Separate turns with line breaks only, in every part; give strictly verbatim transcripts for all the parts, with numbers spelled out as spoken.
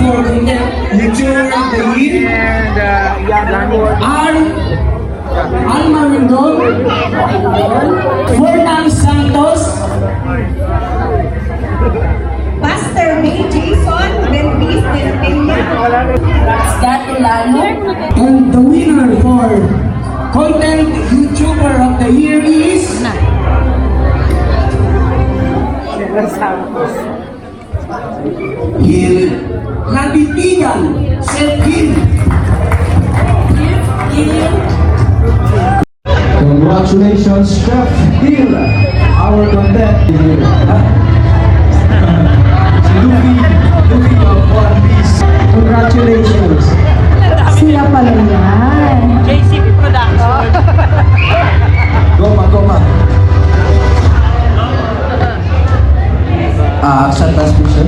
for Content YouTuber of the Year,
And uh, Yan Award.
Al Alma Rendon, Fernan Santos,
Pastor May Jason Belvis de la Peña, Scott Ilano,
and the winner for Content YouTuber of the Year is Gil Laditigan Seth Gil.
Congratulations, Chef Gil, our content leader. Luffy, Luffy of One Piece. Congratulations.
sila pala yan.
J C P Production.
Goma, goma. Ah, acceptance mission.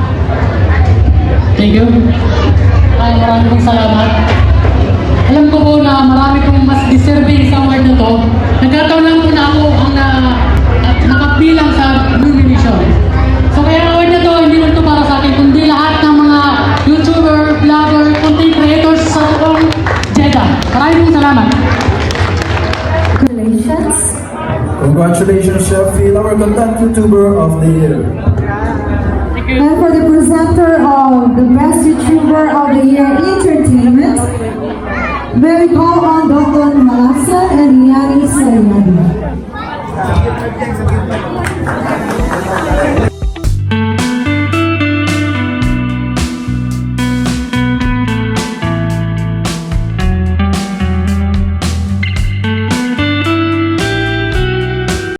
Thank you. Ay, maraming pong salamat. Alam ko po na marami pong mas deserving sa award na to. Nagkataon lang po na ako ang na, at nakabilang sa nomination. So kaya ang award na to, hindi lang to para sa akin, kundi lahat ng mga YouTuber, vlogger, content creators sa buong Jeddah. Maraming pong salamat.
Congratulations.
Congratulations, Chef Gil, our content YouTuber of the year.
And for the presenter of the Best YouTuber of the Year Entertainment, may we call on Doctor Malasa and Yani Sayani.